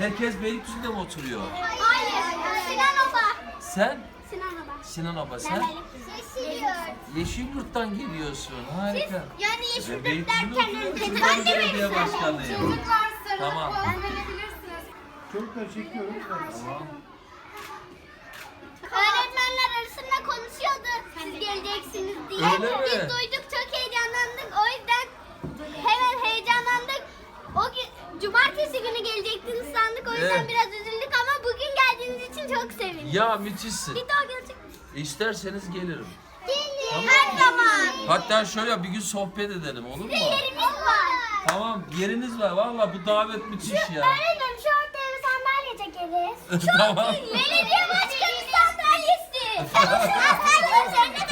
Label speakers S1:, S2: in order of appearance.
S1: Herkes Beylikdüzü'nde mi oturuyor?
S2: Hayır. Sinan Oba.
S1: Sen?
S2: Sinan Oba.
S1: Sinan Aba sen? Yeşilyurt'tan geliyorsun. Harika.
S2: Yani
S1: Ben
S2: Yeşilyurt
S1: Beylikdüzü'nde
S2: derken
S1: oturuyorum.
S2: ben
S1: Çocuklar
S2: de
S1: Belediye
S2: mi?
S1: Başkanıyım.
S3: Çocuklar sarılıp
S1: Tamam.
S3: poz verebilirsiniz.
S4: Çocuklar çekiyorum.
S1: Tamam.
S2: Öğretmenler arasında konuşuyordu. Siz geleceksiniz diye.
S1: Öyle mi?
S2: Biz duyduk, çok heyecanlandık. O yüzden hemen heyecanlandık. O gün cumartesi günü gelecektiniz sandık. O yüzden
S1: Evet.
S2: biraz üzüldük ama bugün geldiğiniz için çok sevindik.
S1: Ya müthişsin.
S2: Bir daha gelecek misiniz?
S1: İsterseniz gelirim.
S2: Gelin. Her zaman.
S1: Hatta şöyle bir gün sohbet edelim, olur mu?
S2: Yerimiz var.
S1: Tamam, yeriniz var. Vallahi bu davet müthiş ya.
S2: Öğretmenim şu ortaya bir sandalye çekeriz.
S1: Tamam.
S2: Belediye başkanı sandalyesi. Sen üzerine